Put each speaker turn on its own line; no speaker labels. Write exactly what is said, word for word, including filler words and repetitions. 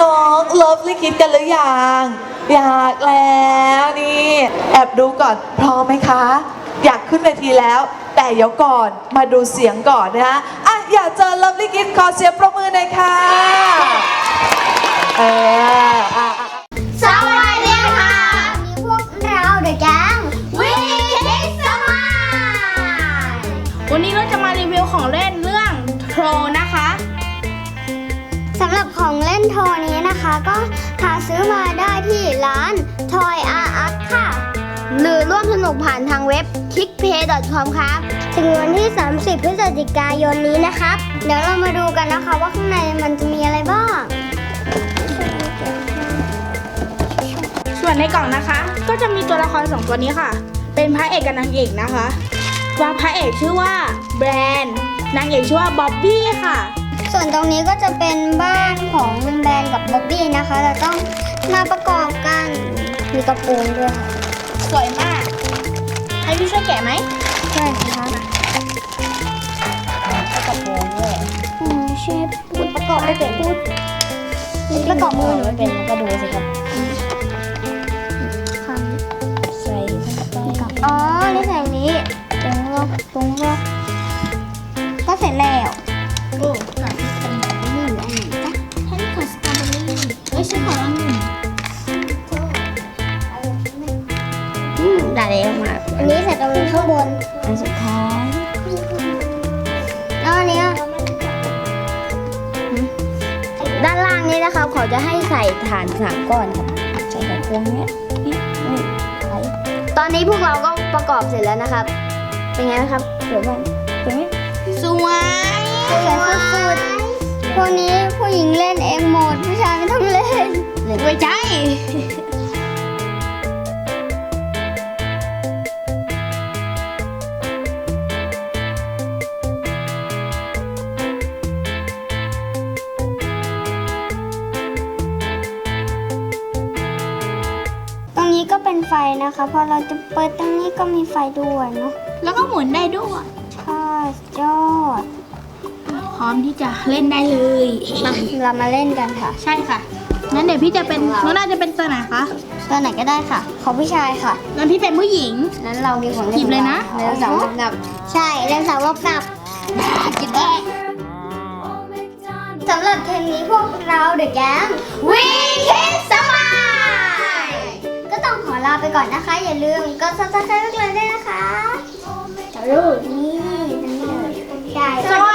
น้องๆเลิฟลี่คิดกันหรือยังอยากแล้วนี่แอบดูก่อนพร้อมไหมคะอยากขึ้นเวทีแล้วแต่เดี๋ยวก่อนมาดูเสียงก่อนนะคะอ่ะอยากเจอเลิฟลี่คิดขอเสียงปรบมือหน่อยค่ะเอออ่ะ
สวัสดีค่ะมีพวกเราเดอะแก๊งวิคิดสมาย
วันนี้เราจะมารีวิวของเล่นเรื่องโทรนะคะ
สำหรับของเล่นโทรนี้นะคะก็หาซื้อมาได้ที่ร้าน Toy R Us ค่ะ
หรือร่วมสนุกผ่านทางเว็บ คิกเพย์ ดอท คอม ครับ
ถึงวันที่สามสิบพฤศจิกายนนี้นะครับเดี๋ยวเรามาดูกันนะคะว่าข้างในมันจะมีอะไรบ้าง
ส่วนในกล่องนะคะก็จะมีตัวละครสองตัวนี้ค่ะเป็นพระเอกกับนางเอกนะคะว่าพระเอกชื่อว่าแบรนด์นางเอกชื่อว่าบ๊อบบี้ค่ะ
ส่วนตรงนี้ก็จะเป็นบ้านของแบรนด์กับบ๊อบบี้นะคะเราต้องมาประกอบกันมีกระโปรงด้วย
สวยมากให้พี่ช่วยแกะไหม
ใช่ค่ะ
กระโปรงด้วย
อืมเชฟพูดประกอบไม่เป็นพูดประกอบมือหนูไม่เป็นก็ดูสิครับ
ใส่
อ๋อนี่ใส่นี้ตรงรอบตรงรอบก็เสร็จแล้ว
โอ้ค่ะเป็นนี่อันไหนจ๊ะท่านขอสตรอเบอรี่เอ้ยฉันขอองุ่นอืมได้แล้วมา
อันนี้ใส่ตรงข้างบน
อันสุดท้าย
แล้วอันนี้
ด้านล่างนี้นะครับเขาจะให้ใส่ฐานสามก้อนครับใส่ไขควงเนี้ยนี่นี่ไขตอนนี้พวกเราก็ประกอบเสร็จแล้วนะครับเป็นไงนะครับสวยบ้างสวยไหมสวย
สวยสุดๆพวกนี้ผู้หญิงเล่นเองหมดผู้ชายไม่ต้องเล่น
ไม่ใช่
ตรงนี้ก็เป็นไฟนะคะพอเราจะเปิดตรงนี้ก็มีไฟด้วยเนาะ
แล้วก็หมุนได้ด้วย
ใช่ยอด
พร้อมที่จะเล่นได้เลย
มาเรามาเล่นกันค่ะ
ใช่ค่ะงั้นเดี๋ยวพี่จะเป็นน้องน่าจะเป็นตัวไหนคะ
ตัวไหนก็ได้ค่ะขอผู้ชายค่ะ
งั้นพี่เป็นผู้หญิง
นั้นเรามีของเล่น
หยิบเลยนะ
เล่นสาวรบนับใช่เล่นสาวรบนับ
กินได้
สำหรับเทปนี้พวกเราเดอะแก๊งวิคิดสมายก็ต้องขอลาไปก่อนนะคะอย่าลืมกดซับสไครบ์พวกเราด้วยนะคะนี่นี่เลยใช่